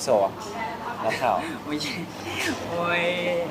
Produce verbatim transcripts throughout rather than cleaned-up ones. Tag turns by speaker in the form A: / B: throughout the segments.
A: พี่โซนักข่าว
B: ไม่ใช่โอ้ย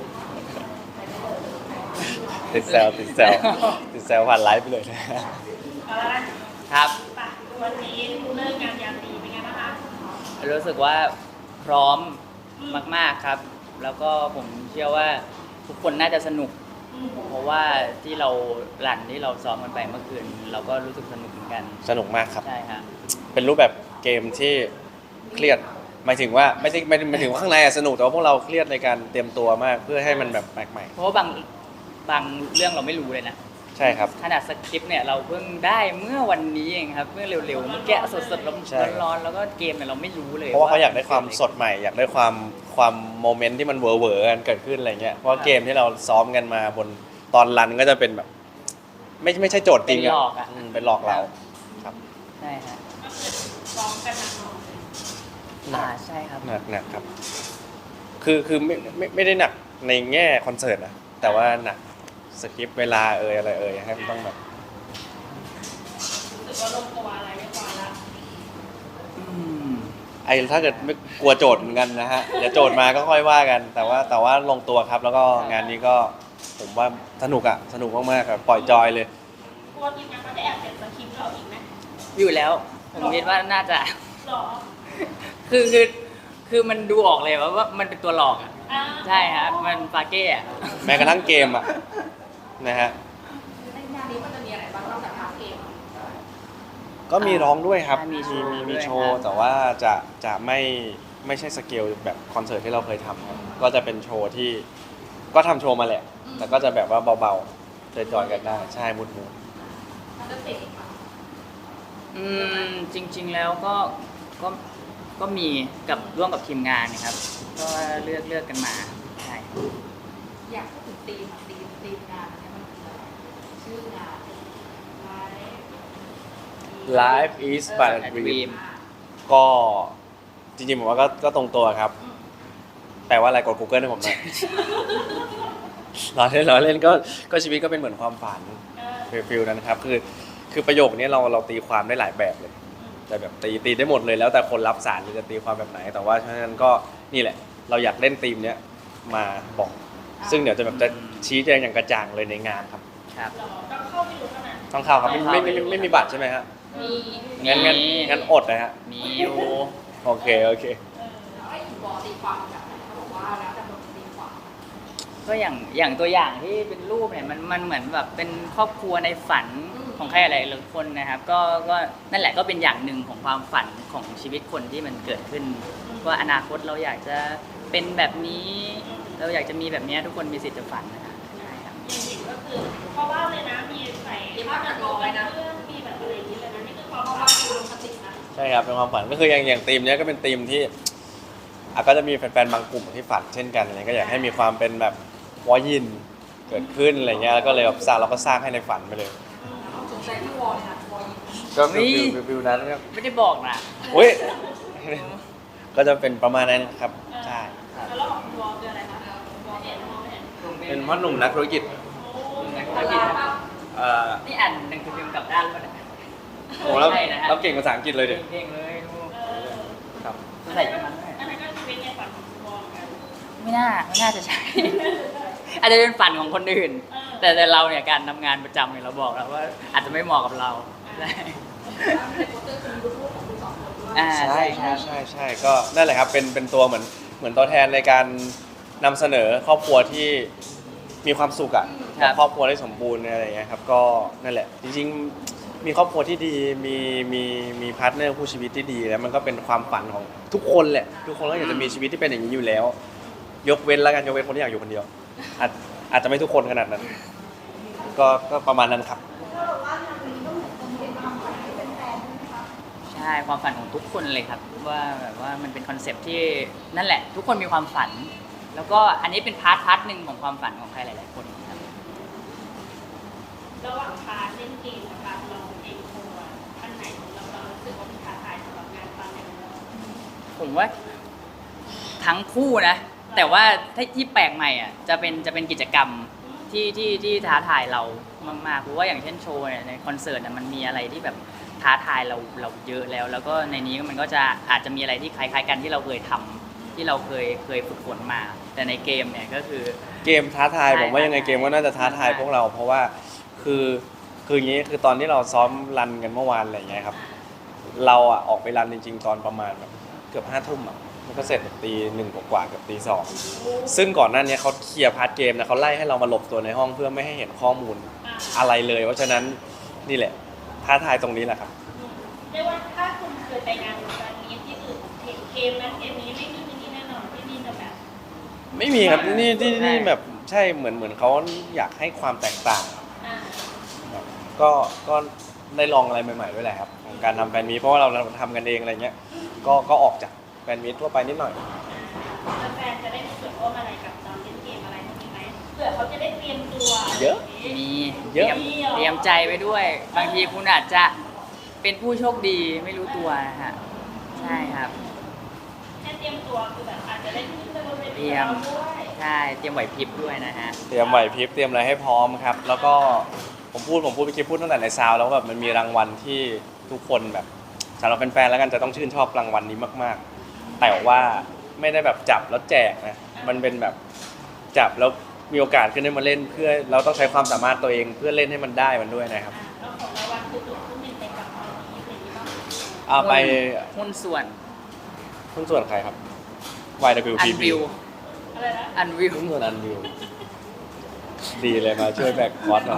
A: ติดแซวติดแซวติดแซวผ่านไลฟ์ไปเลยนะ
C: เอาละนะครับ ไปวันนี้เลิกงานยามดีเป็นไงบ้างคะ
B: รู้สึกว่าพร้อมมากๆครับ แล้วก็ผมเชื่อว่าทุกคนน่าจะสนุก
C: อืม
B: เพราะว่าที่เราหลั่นที่เราซ้อมกันไปเมื่อคืน เราก็รู้สึกสนุกเหมือนกัน
A: สนุกมากครับ
B: ใช่ฮะ
A: เป็นรูปแบบเกมที่เครียดหมายถึงว่าไม่ใช่ไม่ไม่ถึงว่าข้างในอะสนุกแต่ว่าพวกเราเครียดในการเตรียมตัวมากเพื่อให้มันแบบแปลกใหม่
B: เพราะว่าบางบางเรื่องเราไม่รู้เลยนะ
A: ใช่ครับ
B: ขนาดสคริปต์เนี่ยเราเพิ่งได้เมื่อวันนี้เองครับ เมื่อเร็วๆเมื่อกี้สดๆร้
A: ใช่
B: อนๆร้อนๆแล้วก็เกมเนี่ยเราไม่รู้เลย
A: เพราะว่าเขาอยากได้ความสดใหม่ อยากได้ความความโมเมนต์ที่มันเวอร์เวอร์กันเกิดขึ้นอะไรเงี้ยเพราะว่าเกมที่เราซ้อมกันมาบนตอนรันก็จะเป็นแบบ ไม่ไม่ใช่โจทย์จ
B: เป็
A: ริ
B: น
A: ง
B: หล
A: อะ
B: อกอ่ะ
A: อืมเป็นหลอกเราครับ
B: ใช่ฮะ
C: ก็คือซ้อมกันหนักหน่อย
B: อ่าใช่ครับ
A: หนักหนักครับ คือคือไม่ไม่ไม่ได้หนักในแง่คอนเสิร์ตนะแต่ว่าหนักสคริปต์เวลาเอ่ยอะไรเอ่ยให้มันต้องแบบ
C: รู้สึกว่าลงตัวอะไรเรียบร้อยแล้ว
B: อืม
A: ไอ้ถ้าเกิดไม่กลัวโจทย์เหมือนกันนะฮะเดี๋ยวโจทย์มาก็ค่อยว่ากัน แต่ว่าแต่ว่าลงตัวครับ แล้วก็งานนี้ก็ผมว่าสนุกอะสนุกมากๆครับปล่อยจอยเลย
C: กลัวทีมงานเขาจะแอบเปลี่ยนสคริปต์เราอีกไหม
B: อยู่แล้วผมคิดว่าน่าจะ
C: หรอ
B: คือคือคือมันดูออกเลยว่าว่ามันเป็นตัวหลอกอ่ะ
C: อ่า
B: ใช่ฮะมันฟาเก้อะ
A: แม้กระทั่งเกมอะนะฮะ
C: ในงานนี้มันจะมีอะไรบ้างนอกจากพาร์ทเกม
A: ก็มีร้องด้วยครับ
B: มีโชว์
A: มี
B: ด้
A: มี
B: วย
A: โช
B: ค
A: ว์
B: รับ
A: แต่ว่าจะจะไม่ไม่ใช่สเกลแบบคอนเสิร์ตที่เราเคยทำครับก็จะเป็นโชว์ที่ก็ทำโชว์มาแหละ แต่ก็จะแบบว่าเบาๆจอยๆกันได้ใช่มุดมุด
C: มันจะติดอีกปะ
B: อืมจริง ๆแล้วก็ก็ก็มีกับร่วมกับทีมงานนะครับ ก็เลือกเลือกกันมาใช่ครับ
C: อยากพูดถึงธีมธีมธีมงานเนี่ยมันคืออะไรชื่องานไลฟ์
A: Life is but a dream ก็จริงๆผมว่าก็ก็ตรงตัวครับ แปลว่าอะไรกด Google ให้ผมหน่อย ล้อเล่นล้อเล่นก็ก็ชีวิตก็เป็นเหมือนความฝัน
C: เออ
A: ฟิลนั้นครับคือคือประโยคนี้เราเราตีความได้หลายแบบเลย แต่แบบตีตีได้หมดเลยแล้วแต่คนรับสารจะตีความแบบไหน แต่ว่าฉะนั้นก็นี่แหละ เราอยากเล่นธีมเนี้ยมาบอก ซึ่งเดี๋ยวจะแบบจะชี้แจงอย่างกระจ่างเลยในงานครับ
B: ครับ
C: เราต้องเข้าไปดูเท่านั้น
A: ต้องเข้าครับไม่ไม่ไม่ไม่ไม่มีบัตรใช่ไหมฮะ
C: มี
A: งั้นงั้น
B: มี
A: งั้นอดนะฮะ
B: มีอยู่
A: โอเคโอเค
C: เออแล้วไอ้บอตีความแบบไหนเขาบอกว่าแล้วแต่คนตีความ
B: ก็อย่างอย่างตัวอย่างที่เป็นรูปเนี่ยมันมันเหมือนแบบเป็นครอบครัวในฝันของใครอะไรหลายคนนะครับ ก็ก็นั่นแหละก็เป็นอย่างหนึ่งของความฝันของชีวิตคนที่มันเกิดขึ้น ว่าอนาคตเราอยากจะเป็นแบบนี้ เราอยากจะมีแบบนี้ทุกคนมีสิทธิ์จะฝันนะครับใช่ครับ
C: อย่างหญิงก็คือเพราะว่าเลยนะมีใส่ผ้ากันร้อยนะเพื่อนมีแบบอะไรอย่างนี้เลยนะนี่คือความว่าคือลงสตินะ
A: ใช่ครับเป็นความฝันก็คืออย่างอย่างธีมเนี้ยก็เป็นธีมที่อ่ะก็จะมีแฟนๆบางกลุ่มที่ฝันเช่นกันอะไรก็อยากให้มีความเป็นแบบวอยินเกิดขึ้นอะไรเงี้ยแล้วก็เลยแบบสร้างเราก็สร้างให้ในฝันไปเลย
C: สนใจที่วอลเลยนะวอล
A: ก็ฟิลฟิลฟิลนั้นครับ
B: ไม่ได้บอกนะ
A: อุ้ย ก็จะเป็นประมาณนั้นครับใช่
C: แล้วเราของวอลคืออะไรคะวอลเห็นวอลเห็น
A: เป็นพ่อหนุ่มนักธุรกิจ
C: โอ้
B: นักธุ
C: โห
B: รกิจนะ
A: เอ่อ
B: นี่อ่านหนังสือพิมพ์กลับด้านแล้วนะ
A: โอ้แล้ว
B: ใช่นะฮะ
A: เราเก่งภาษาอังกฤษเลยเด็
B: เก่งๆเลยลูก
C: เออ
A: ครับ
B: ใส่ยังไง
C: อันนั้นก็ชีวิตในฝันของวอลกัน
B: ไม่น่าไม่น่าจะใช่ อาจจะเป็นฝันของคนอื่น แต่แต่เราเนี่ยการทำงานประจำเนี่ยเราบอกแล้วว่าอาจจะไม่เหมาะกับเราใช่อ่า
A: ใช่ใช่ใช่ใช่ก็นั่นแหละครับเป็นเป็นตัวเหมือนเหมือนตัวแทนในการนำเสนอครอบครัวที่มีความสุขอ่ะกับครอบครัวที่สมบูรณ์อะไรอย่างเงี้ยครับก็นั่นแหละจริงๆมีครอบครัวที่ดีมีมีมีพาร์ทเนอร์คู่ชีวิตที่ดีแล้วมันก็เป็นความฝันของทุกคนแหละทุกคนก็อยากจะมีชีวิตที่เป็นอย่างนี้อยู่แล้ว ยกเว้นแล้วกันยกเว้นคนที่อยากอยู่คนเดียวอาจอาจจะไม่ทุกคนขนาดนั้น ก็ก็ประมาณนั้นครับ
B: ใช่ความฝันของทุกคนเลยครับ ว่าแบบว่ามันเป็นคอนเซปต์ที่นั่นแหละ ทุกคนมีความฝัน แล้วก็อันนี้เป็นพาร์ทพาร์ทหนึ่งของความฝันของใครหลาย ๆ คนครับ
C: ระหว่างพาร์ทเล่นเกมกับการลองเองโชว์อะอันไหนของเราเรารู้สึกว่ามันท้าทายสำหรับงานตอนนี้
B: ผมว่าทั้งคู่นะ แต่ว่าถ้าที่แปลกใหม่อ่ะจะเป็นจะเป็นกิจกรรมที่ที่ที่ท้าทายเรามากๆเพราะว่าอย่างเช่นโชว์เนี่ยในคอนเสิร์ตเนี่ยมันมีอะไรที่แบบท้าทายเราเราเยอะแล้ว แล้วก็ในนี้มันก็จะอาจจะมีอะไรที่คล้ายๆกันที่เราเคยทำที่เราเคยเคยฝึกฝนมา แต่ในเกมเนี่ยก็คือ
A: เกมท้าทาย
B: ใช่
A: ผมว่ายังไง
B: ท้าทาย
A: เกมก็น่าจะท้าทาย
B: ใช่
A: พวกเรา เพราะว่าคือคืออย่างนี้คือตอนที่เราซ้อมรันกันเมื่อวานอะไรอย่างเงี้ยครับเราอ่ะออกไปรันจริงๆตอนประมาณแบบเกือบห้าทุ่มอ่ะมันก็เสร็จแบบตีหนึ่งกว่าๆเกือบตีสองซึ่งก่อนหน้านี้เขาเคลียร์พาร์ทเกมนะเขาไล่ให้เรามาหลบตัวในห้องเพื่อไม่ให้เห็นข้อมูล
C: อ่า
A: อะไรเลย เพราะฉะนั้นนี่แหละท้าทายตรงนี้แหละครับ
C: เรียกว่าถ้าคุณเคยไปงานแบบนี้ที่อื่นเกมนั้นเกมนี้ไม่มีที่นี่แน่นอนที่นี่จะแบบ
A: ไม่มีครับนี่ที่
B: ใช่
A: นี่แบบใช่เหมือนเหมือนเขาอยากให้ความแตกต่าง
C: อ่า
A: ครับก็ก็ได้ลองอะไรใหม่ๆด้วยแหละครับของการทำแฟนมีตเพราะว่าเราเราทำกันเองอะไรเงี้ยก็ก็ออกจากแฟนมีตทั่วไปนิดหน่อย
C: แฟนๆจะได้มีส่วนร่วมอะไรกับตอนเล่นเกมอะไรพวกนี้ไหมเผื่อเขาจะได้เตรียมตัว
A: เยอะ
B: มี
A: เยอะ
B: เตรียมเตรียมใจไว้ด้วย บางทีคุณอาจจะเป็นผู้โชคดีไม่รู้ตัวนะฮะใช่ครับ
C: แค่เตรียมตัวคือแบบอาจจะได้ขึ้นไปบนเว
B: เต
C: ที
B: รียม
C: เราด้วย
B: ใช่เตรียมไหวพริบด้วยนะฮะ
A: เตรียมไหวพริบเตรียมอะไรให้พร้อมครับ แล้วก็ผมพูดผมพูดไปคิดพูดตั้งแต่ในซาวด์แล้วว่าแบบมันมีรางวัลที่ทุกคนแบบสำหรับแฟนๆแล้วกันจะต้องชื่นชอบรางวัลนี้มากๆ แต่ว่าไม่ได้แบบจับแล้วแจกนะมันเป็นแบบจับแล้วมีโอกาสขึ้นได้มาเล่นเพื่อเราต้องใช้ความสามารถตัวเองเพื่อเล่นให้มันได้มันด้วยนะครับ
C: อ่าแล้วของรางวัลคือตัวขึ้นหนึ่งไปกับตอนนี้อะไรอย่างนี้บ้าง
A: เอาไป
B: หุ้นส่วน
A: หุ้นส่วนใครครับ วาย ดับเบิลยู
B: อั
A: พี
B: น
A: บี
B: วิว
C: อะไรนะ
B: อันวิว
A: หุ้นส่วนอันวิวดีเลยมาช่วยแบกคอร์สหน่อย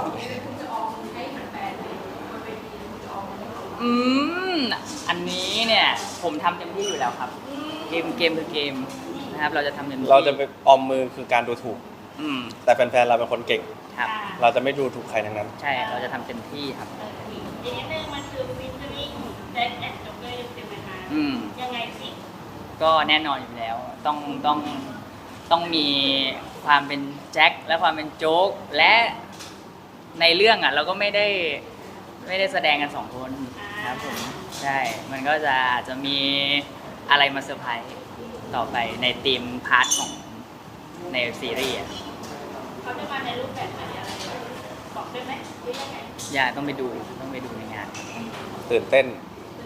B: อืมอันนี้เนี่ยผมทำเต็มที่อยู่แล้วครับ เกมเกมคือเกมนะครับ เราจะทำเต็มที่
A: เราจะไปออมมือคือการดูถูก
B: อืม
A: แต่แฟนๆเราเป็นคนเก่ง
B: ครับ
C: อ่า
A: เราจะไม่ดูถูกใครทั้งนั้น
B: ใช่เราจะทำเต็มที่ครับ
C: เอออีกนิดนึงมันคือฟิชเชอริ่งแจ็คแอนด์จ็อกเกอร์เต็มๆมา
B: อืม
C: ยังไงสิ
B: ก็แน่นอนอยู่แล้ว ต้องต้องต้องมีความเป็นแจ็คและความเป็นโจ๊กและในเรื่องอ่ะ เราก็ไม่ได้ไม่ได้แสดงกันสองคนครับผมใช่ มันก็จะอาจจะมีอะไรมาเซอร์ไพรส์ต่อไปในทีมพาร์ทของในซีรีส์อะ
C: เขาจะมาในรูปแบบไหนอะไรบอกได้ไหมหรือยังไง
B: อย่าต้องไปดูต้องไปดูในงาน
A: ตื่นเต้น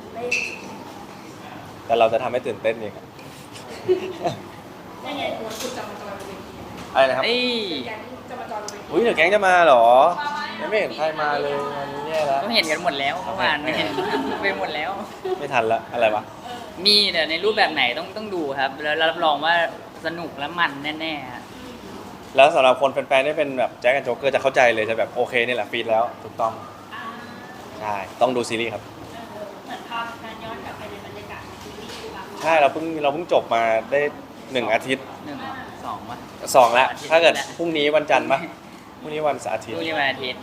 A: แต่เราจะทำให้ตื่นเต้นเองครับ
C: ยังไง
A: อะไรนะครับ
B: เอ้ย
A: อุ้ยเดี๋ยวแก๊งจะมาเหรอยังไม่เห็นใครมาเลยงานนี้แย่แล้ว
B: ก็เห็นกันหมดแล้วเมื่อวานเห็นไปหมดแล้ว
A: ไม่ทันละอะไรวะ
B: มีแต่ในรูปแบบไหนต้องต้องดูครับ แล้วรับรองว่าสนุกและมันแน่ๆฮะ
A: แล้วสำหรับคนแฟนๆที่เป็นแบบแจ็คกับโจ๊กเกอร์จะเข้าใจเลยจะแบบโอเคนี่แหละฟีดแล้วถูกต้อง
C: อ่า
A: ใช่ต้องดูซีรีส์ครับ
C: เออเหมือนพาการย้อนกลับไปในบรรยากาศในซีรีส์คือแบบ
A: ใช่เราเพิ่งเราเพิ่งจบมาได้หนึ่งอาทิตย์
B: หนึ่งสองวะ
A: สองแล้ว
B: อาทิตย์
A: ถ้าเกิด
B: แล้ว
A: พรุ่งนี้วันจันทร์ปะพรุ่งนี้วันเสาร์อาทิตย์
B: ดูนี่วันอาทิตย์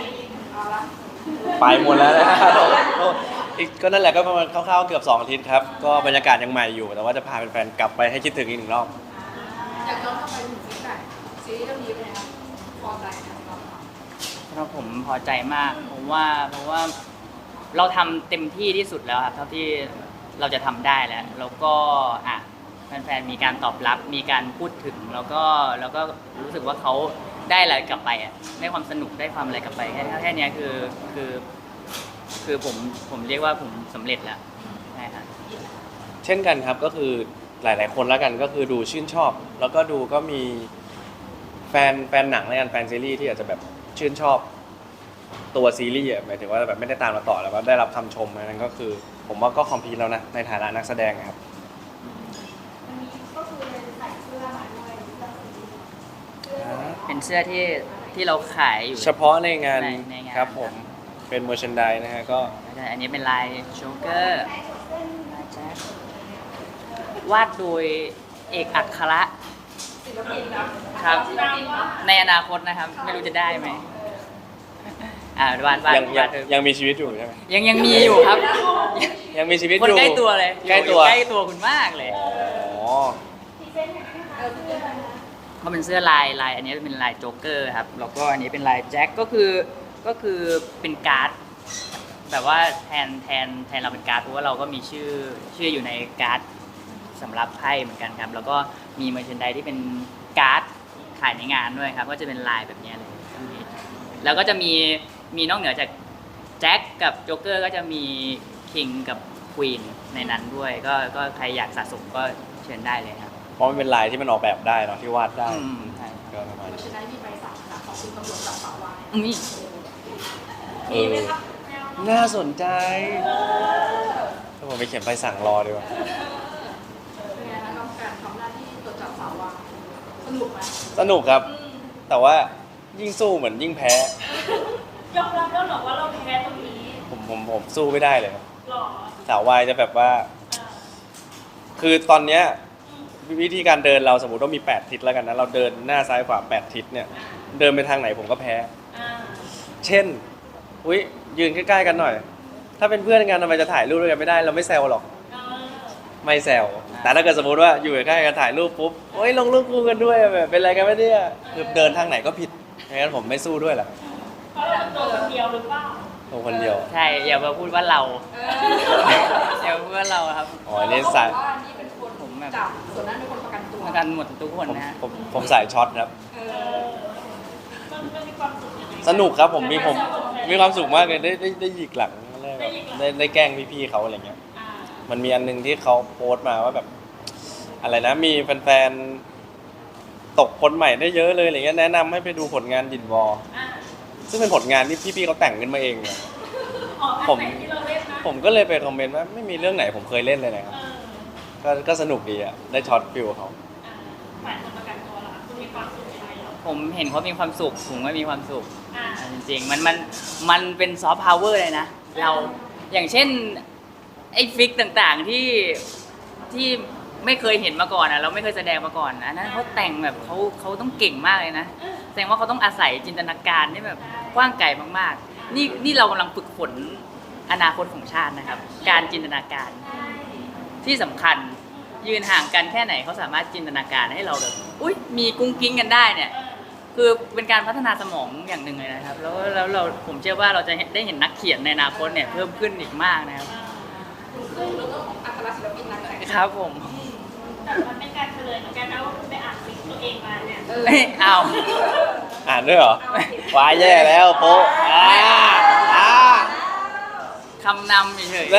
A: ไปหมดแล้วนะ อีกก็นั่นแหละก็ประมาณคร่าวๆเกือบสองอาทิตย์ครับก็บรรยากาศยังใหม่อยู่ แต่ว่าจะพาแฟนๆกลับไปให้คิดถึงอีกหนึ่งรอบ
D: อยากย้อนกลับไปถึงฟีดแบ็กซีรีส์เรื่องนี้เป็นไงครับพอใจนะครับ
B: เพราะผมพอใจมากผมว่าเพราะว่าเราทำเต็มที่ที่สุดแล้วครับเท่าที่เราจะทำได้แล้วแล้วก็อ่ะแฟนๆมีการตอบรับมีการพูดถึงแล้วก็แล้วก็รู้สึกว่าเขาได้อะไรกลับไปอ่ะได้ความสนุกได้ความอะไรกลับไปแค่แค่เนี้ยคือคือ คือผมผมเรียกว่าผมสำเร็จแล้วใช่ครับ
A: เช่นกันครับก็คือหลาย ๆ คนแล้วกันก็คือดูชื่นชอบ แล้วก็ดูก็มีแฟนแฟนหนังและกันแฟนซีรีส์ที่อาจจะแบบชื่นชอบตัวซีรีส์อะหมายถึงว่าแบบไม่ได้ตามมาต่อแล้วก็ได้รับคำชมอันนั้นก็คือ ผมว่าก็คอมพลีทแล้วนะในฐานะนักแสดงอะครับ
C: วันนี้ก็คือใส่เสื้อมาด้วยเสื้อสวย
B: เป็นเสื้อที่ที่เราขายอยู่
A: เฉพาะในงาน
B: ในในงาน
A: ครับผมเป็นเมอร์ชันไดนะฮะก็
B: อันนี้เป็นลายโจ๊กเกอร์ลายแจ็ควาดโดยเอกอัคระ
D: ศิลปินครับ
B: ครับ
C: ตามว่า
B: ในอนาคตนะครับ ไม่รู้จะได้ไหมอ่าวาดวาด
A: ยังยั
B: วาง ดโดย
A: ยังมีชีวิตอยู่ใช่ไหม
B: ยังยังมีอยู่ครับ
A: ยังมีชีวิต
B: คน
A: อยู่
B: ใกล้ตัวเลย
A: ใกล้ตัว
B: ใกล้ตัวคุณมากเลย
A: อ๋อ
C: พรีเซนต์หน่อยนะคะเสื้อ
B: เขาเป็นเสื้อลายลายอันนี้เป็นลายโจ๊กเกอร์ครับแล้วก็อันนี้เป็นลายแจ็คก็คือก็คือเป็นการ์ดแบบว่าแทนแทนแทนเราเป็นการ์ดเพราะว่าเราก็มีชื่อชื่ออยู่ในการ์ดสำหรับไพ่เหมือนกันครับแล้วก็มีเมอร์เชนไดที่เป็นการ์ดขายในงานด้วยครับก็จะเป็นลายแบบนี้เลยแล้วก็จะมีมีนอกเหนือจากแจ็คกับโจ๊กเกอร์ก็จะมีคิงกับควีนในนั้นด้วย ก็ก็ใครอยากสะสมก็เชิญได้เลยครับ
A: เพราะมันเป็นลายที่มันออกแบบได้เนาะที่วาดได้
B: อืมใช่ครับ
A: ก็ประมาณ
D: เรา
A: นี้
D: จะได้มีใบสั่งค่ะของคุณตำรวจจับสาววาย
B: อืมนี่
A: เอ
C: มี
A: อ
C: ไหมครับแนว
A: น่าสนใจถ้าผมไปเขียนไปสั่งรอดีกว่า
D: เป็นไงคะกับการทำหน้าที่ตรวจจับสาววายสนุกไหม
A: สนุกครับ แต่ว่ายิ่งสู้เหมือนยิ่งแพ้
C: ยอมรับแล้วเหรอว่าเราแพ้ตรงนี้
A: ผมผมผมสู้ไม่ได้เลยครับ
C: หรอ
A: สาววายจะแบบว่า
C: อ่า
A: คือตอนเนี้ยวิธีการเดินเราสมมติว่ามีแปดทิศแล้วกันนะเราเดินหน้าซ้ายขวาแปดทิศเนี่ยเดินไปทางไหนผมก็แพ้
C: อ่า
A: เช่นอุ้ยยืนใกล้ๆกันหน่อย ถ้าเป็นเพื่อนกันทำไมจะถ่ายรูปด้วยกันไม่ได้เราไม่แซวหรอก
C: เออ
A: ไม่แซวแต่ถ้าเกิดสมมติว่าอยู่ใกล้ๆกันถ่ายรูปปุ๊บโอ้ยลงรูปคู่กันด้วยแบบเป็นอะไรกันไม่เนี่ยคือเดินทางไหนก็ผิดงั้นผมไม่สู้ด้วยแหละ
C: เพราะเราตัวคนเดียวหรือเปล่า
A: ตัวคนเดียว
B: ใช่อย่ามาพูดว่าเรา
D: เอ
B: อย่ามาพูดว่าเราครับ
A: อ๋ออันนี้สาย
D: ว่านี่เป็นคน
B: ผมแบบ
D: จับส่วนนั้นเป็นคนประกันตัว
B: ประกันหมดทุกคน
A: ผม
B: นะฮะ
A: ผมผมสายช็อตครับ
D: เอ
C: เอ
D: อ
C: อมันมันมีความสุขยังไง
A: สนุกครับผมมีผมมีความสุขมากเลยได้ได้ได้หยิกหลังได้
C: ได้หยิกหลัง
A: ได้ได้แกล้งพี่ๆเขาอะไรเงี้ย
C: อ่า
A: มันมีอันนึงที่เขาโพสต์มาว่าแบบ อะไรนะมีแฟนๆตกคนใหม่ได้เยอะเลยอะไรเงี้ยแนะนำให้ไปดูผลงานดินวอล
C: อ่า
A: ซึ่งเป็นผลงานที่พี่ๆเขาแต่งขึ้นมาเองเนี่ย
C: อ๋ออัน
A: ผม
C: ไหนที่เราเล่นนะ
A: ผมก็เลยไปคอมเมนต์ว่าไม่มีเรื่องไหนผมเคยเล่นเลยนะครับ
C: เออ
A: ก็ก็สนุกดีอ่ะได้ช็อตฟิลเขา
C: อ่าฝ่ายคนประกันตัวเหรอคะคุณมีความสุขยังไงเหรอ
B: ผมเห็นเขามีความสุขผมก็มีความสุข
C: อ่า
B: จริงๆมันมันมันเป็นซอฟต์พาวเวอร์เลยนะ เราอย่างเช่นไอ้ฟิกต่างๆที่ที่ไม่เคยเห็นมาก่อนอ่ะเราไม่เคยแสดงมาก่อนอันนั้นเขาแต่งแบบเขาเขาต้องเก่งมากเลยนะแสดงว่าเขาต้องอาศัยจินตนาการที่แบบกว้างไกลมากๆ นี่นี่เรากำลังฝึกฝนอนาคตของชาตินะครับ การจินตนาการที่สำคัญยืนห่างกันแค่ไหนเขาสามารถจินตนาการให้เราแบบอุ้ยมีกุ้งกิ้งกันได้เนี่ย คือเป็นการพัฒนาสมองอย่างหนึ่งเลยนะครับ แล้วแล้วเราผมเชื่อว่าเราจะได้เห็นนักเขียนในอนาคตเนี่ยเพิ่มขึ้นอีกมากนะครับ
D: ซึ่งเรื่องของอัครศิลปินนักแต่ง
B: ครับผม
C: แต่มันเป็นการเฉลยเหมือนกันนะว่าคุณไปอ่านฟิกตัวเองมาเนี่ย
D: เออ
B: เอ้ยเอา
A: อ่านด้วยเหรอว้ายแย่แล้วโป๊ะอ่าอ่า
B: คำนำเฉย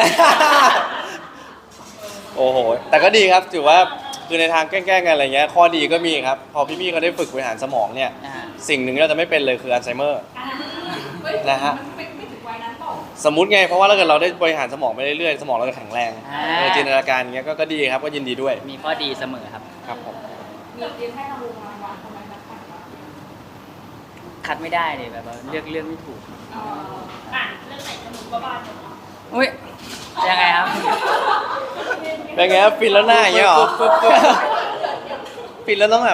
A: โอ้โห แต่ก็ดีครับถือว่าคือในทางแกล้งๆกันอะไรเงี้ยข้อดีก็มีครับ พอพี่ๆเขาได้ฝึกบริหารสมองเนี่ย
B: ๆอ่า
A: สิ่งหนึ่งที่เราจะไม่เป็นเลยคืออัลไซเมอร์
C: อ่า
D: เฮ้ย
A: นะฮะ
D: มันไม่ไม่ถึงวัยนั้นเปล่า
A: สมมุติไงเพราะว่าถ้าเกิดเราได้บริหารสมองไปเรื่อยๆสมองเราจะแข็งแรง
B: อ่า
A: เออจินตนาการอย่างเงี้ยก็ก็ดีครับก็ยินดีด้วย
B: มีข้อดีเสมอครับ
A: ครับผม
D: มีเรียนให้รางวัลรางวัลทำไมนักแต่งวะ
B: คัดไม่ได้เลยแบบว่าเลือกเลือกไม่ถูก
D: เออ
C: อ่านเรื่องไหนสนุกก็บ้าจังเนาะ
B: อุ้ยยังไงครับ
A: เป็นไงครับฟินแล้วหน้าอย่างเงี้ยเหรอ
B: ปุ๊บปุ๊บปุ๊บ
A: ฟินแล้วต้องแบบ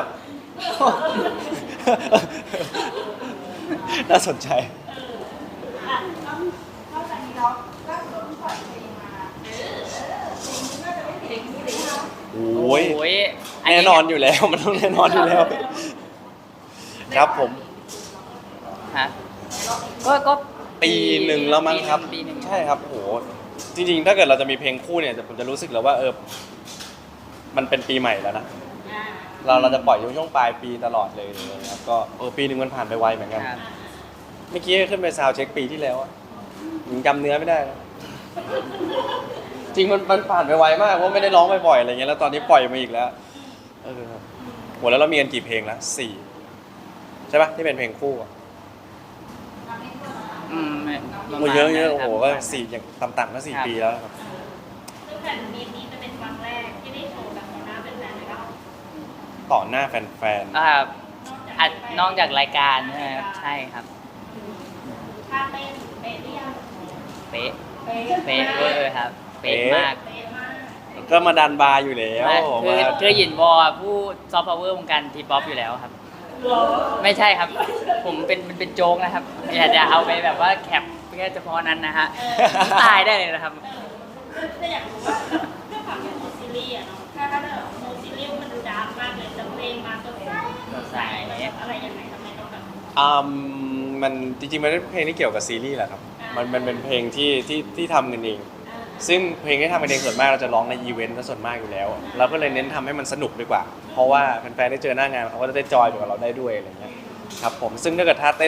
A: น่าสนใจ
C: อ่ะ
D: นอกจากนี้แล้วล่าสุดเราเพิ่งปล่อยเพลงมาเพลงนี้น่าจะไม่ผิดเพลงนี้เลยนะ
A: โอ้ย
B: โอ้ย
A: แน่นอนอยู่แล้ว มันต้องแน่นอนอยู่แล้ว ครับผม
B: ฮะก็ก็
A: ปีหนึ่งแล้วมั้งครับ
B: ปีหนึ่ง
A: ใช่ครับโอ้โหจริงๆ ถ้าเกิดเราจะมีเพลงคู่เนี่ยผมจะรู้สึกแล้วว่าเออมันเป็นปีใหม่แล้วนะ
C: อ่า
A: เราเราจะปล่อยช่วงปลายปีตลอดเลยนะครับก็เออปีหนึ่งมันผ่านไปไวเหมือนกัน
B: ครับ
A: เมื่อกี้ขึ้นไปซาวด์เช็คปีที่แล้วอะยังจำเนื้อไม่ได้นะจริงมันมันผ่านไปไวมากเพราะไม่ได้ร้องบ่อยๆอะไรเงี้ยแล้วตอนนี้ปล่อยมาอีกแล้วเออครับโหแล้วเรามีกันกี่เพลงแล้วสี่ใช่ปะที่เป็นเพลงคู่อะ
B: อืมประ
A: โอ้
B: มาณ
A: เยอะเยอะ
B: นั้น
A: โอ้
B: ค
A: โห
B: รับ
A: ก็สี่อย่างต่ำๆก็สี่
B: ครับ
A: ปีแล้วครับ
C: ซึ่งแผ่นนี้นี้จะเป็นครั้งแรกที่ได้โชว์แบบต่อหน้าเป็นแฟนๆเลยก็
A: ต่อหน้าแฟน
B: อ่าอัดนอกจากรายการนะครับใช่ครับ
C: ท่าเต้นเป๊ะหรือยัง
B: เป๊ะ
C: เป๊ะ
B: เป๊ะเวอร์ครับ เป๊ะมาก
C: เป๊ะมาก
A: ๆก็มาดันบาร์อยู่แล้ว
B: คือ
A: มา
B: คือหยินวอผู้ซอฟต์พาวเวอร์วงการทีป๊อปอยู่แล้วครับ
C: หรอ
B: ไม่ใช่ครับ ผมเป็นเป็นเป็นโจ๊กนะครับ อย่าจะเอาไปแบบว่าแคปแค่เฉพาะนั้นนะฮะตายได้เลยนะครับ
C: แต่อยากรู้ว่าด้วยความเป็นโมซีรีส์อะเนาะถ้าถ้าแบบโมซีรีส์มันดูดาร์กมากเลยแต่เพลงมาสดใส
B: สดใส
C: อะไรยังไงทำไมต้องแบบ
A: อืมมันจริงๆมันเป็นเพลงที่เกี่ยวกับซีรีส์แหละครับ มันมันเป็นเพลงที่ที่ที่ทำกันเอง
C: อ่า
A: ซึ่งเพลงที่ทำกันเองส่วนมากเราจะร้องในอีเวนต์ซะส่วนมากอยู่แล้ว เราก็เลยเน้นทำให้มันสนุกดีกว่า เพราะว่าแฟนๆได้เจอหน้างานเขาก็จะได้จอยกับเราได้ด้วยอะไรเงี้ยครับผมซึ่งถ้าเกิดท่าเต้น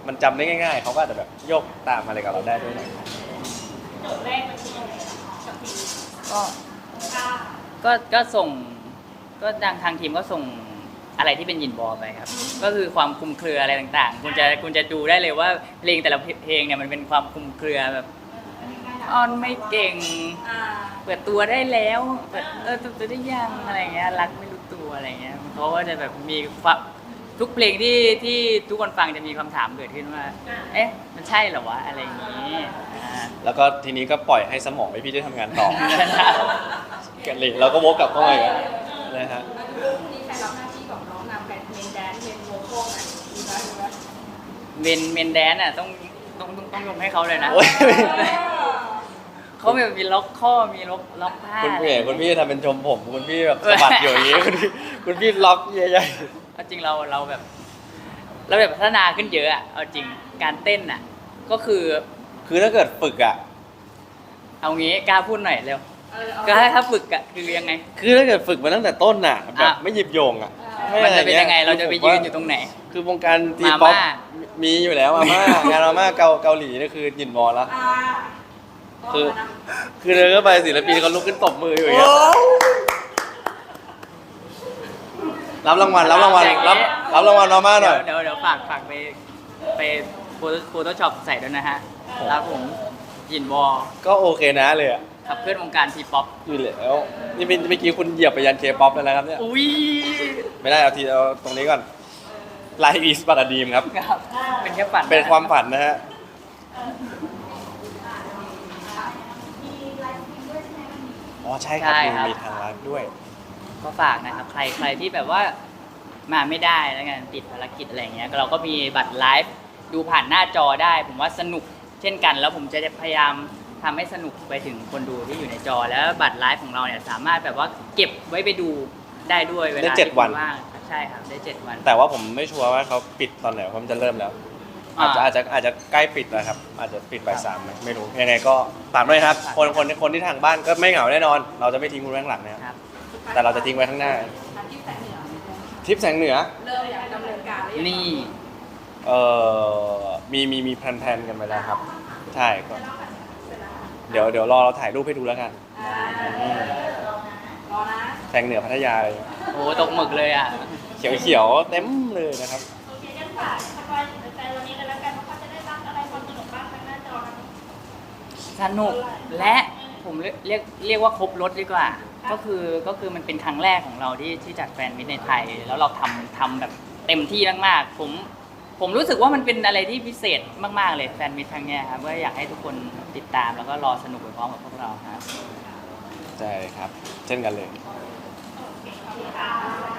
A: มันจำได้ง่ายๆเขาก็อาจจะแบบโยกตามอะไรกับเราได้ด้วยหน่อย
C: โจทย์แรกมันคืออะไรกับทีม
B: ก็
C: ค่ะ
B: ก็ก็ส่งก็ทางทางทีมก็ส่งอะไรที่เป็นหยินบอลไปครับ ก็คือความคลุมเครืออะไรต่างๆ คุณจะคุณจะดูได้เลยว่าเพลงแต่ละเพลงเนี่ยมันเป็นความคลุมเครือแบบอ้อนไม่เก่ง
C: อ่า
B: เปิดตัวได้แล้วเปิดเออเปิดตัวได้ยังอะไรเงี้ยรักไม่รู้ตัวอะไรเงี้ยเขาก็จะแบบมีความทุกเพลงที่ที่ทุกคนฟังจะมีคำถามเกิดขึ้นว่า เอ๊ะมันใช่เหรอวะอะไรอย่างนี้อ่า
A: แล้วก็ทีนี้ก็ปล่อยให้สมองไอพี่ได้ทำงานต่อ กันเลยเราก็วกกลับเข้ามาอีกแล้วนะฮะ
D: แล้วดูพรุ่งนี้ใครรับหน้าที่ของน้องนำเป็นเมนแดนซ์เมนโวคอลอ่ะดีไหมดีไหม
B: เมนเมนแดนอ่ะต้องต้องต้องต้องยกให้เขาเลยนะ
A: โอ้ย
B: เขาแบบมีล็อกข้อมีล็อกล็อกผ้า
A: คุณพี่คุณพี่ทำเป็นชมผมคุณพี่แบบสะบัดอยู่อย่างนี้คุณพี่คุณพี่ล็อกใหญ่
B: เอาจริงเราเราแบบ เราแบบพัฒนาขึ้นเยอะอะเอาจริงการเต้นอ่ะ ก็คือ
A: ๆคือถ้าเกิดฝึกอ่ะ
B: เอางี้กล้าพูดหน่อยเร็ว
D: เออเอา
B: ก็ถ้าฝึกอ่ะคือยังไง
A: คือถ้าเกิดฝึกมาตั้งแต่ต้นน่ะแบบ
B: อ่ะ
A: ไม่หยิบโยงอ่ะ
B: มันจะเป็นยังไงเราจะไป
A: คือผม
B: ยื
A: ว่
B: นอยู่ตรงไหน
A: คือวงการที
B: มาม่า
A: ป๊อปมีอยู่แล้วมาม่างานมาม่าเกาเกาหลีนี่คือหยินบอลแล้ว
D: อ่า
A: คือ คือเดินเข้าไปศิลปินเขาลุกขึ้นตบมืออยู่อย่างเงี้ยรับรางวัลรับรางวัลรับรับรางวัลมาม่าหน่อย
B: เดี๋ยวเดี๋ยวฝากฝากไปไปโฟโต้ช็อปใส่ด้วยนะฮะแล้วผมยินบอล
A: ก็โอเคนะเลยอ่ะ
B: ขับเคลื่อนวงการทีป๊อป
A: อยู่แล้วนี่เมื่อกี้คุณเหยียบไปยันเคป๊อปแล้วนะครับเนี่ย
B: อุ้ย
A: ไม่ได้เอาทีเอาตรงนี้ก่อนไลฟ์อีสปาราดีมครับ
B: ครับเป็นแค่ฝัน
A: เป็นความฝันนะฮะ
D: มีไลฟ์สตรีมด้วยใช่ไหมวันนี้
A: อ๋อใช่ครับมีมีทางไลฟ์ด้วย
B: ก็ฝากนะครับ ใครใครที่แบบว่ามาไม่ได้แล้วกันติดภารกิจอะไรเงี้ยเราก็มีบัตรไลฟ์ดูผ่านหน้าจอได้ ผมว่าสนุกเช่นกัน แล้วผมจะพยายามทำให้สนุกไปถึงคนดูที่อยู่ในจอ แล้วบัตรไลฟ์ของเราเนี่ยสามารถแบบว่าเก็บไว้ไปดูได้ด้วยเวลา
A: ได้เจ็ด
B: ที่
A: วัน
B: คุณว่างใช่ครับได้เจ็ดวัน
A: แต่ว่าผมไม่ชัวร์ว่าเขาปิดตอนไหนเพราะมันจะเริ่มแล้ว อาจจะ
B: อ่า
A: อาจจะอาจจะใกล้ปิดแล้วครับ อาจจะปิดบ่ายสามนะไม่รู้ยังไงก็ฝากด้วยครับ
B: ฝาก
A: คนคนคนที่ทางบ้านก็ไม่เหงาแน่นอน เราจะไม่ทิ้งคุณไว้ข้างหลังนะครับ
B: ครับ
A: แต่เราจะทิ้งไว้ข้างหน้า
D: อาทิตย์แสงเหนือ
A: ทริปแสงเหนือ
D: เริ่มอยากดำเนินการหรือยัง
B: นี่
A: เอ่อมีมีมีแพลนๆกันไปแล้วครับ ใช่ก็เดี๋ยวเดี๋ยวรอเราถ่ายรูปให้ดูแล้วกัน
D: อ่า
A: อืม
D: รอนะ
A: แสงเหนือพัทยาอะไรอย่างเงี้ย
B: โอ้ตกหมึกเลยอ่ะ
A: เขียวเขียวๆเต็มเลยนะครับ
C: โอเคงั้นฝากสปอยถึงแฟนวันนี้เลยแล้วกันว่าเขาจะได้รับอะไรความสนุกบ้างทางหน้าจอครับ
B: สนุกและผมเรียกเรียกเรียกว่าครบรถดีกว่า ก็คือก็คือมันเป็นครั้งแรกของเราที่ที่จัดแฟนมิตรในไทย แล้วเราทำทำแบบเต็มที่มากๆผมผมรู้สึกว่ามันเป็นอะไรที่พิเศษมากๆเลยแฟนมิตรครั้งเนี้ยครับก็อยากให้ทุกคนติดตามแล้วก็รอสนุกไปพร้อมกับพวกเราครับ
A: ใช่ครับ เช่นกันเลย
C: ขอบคุณค่ะ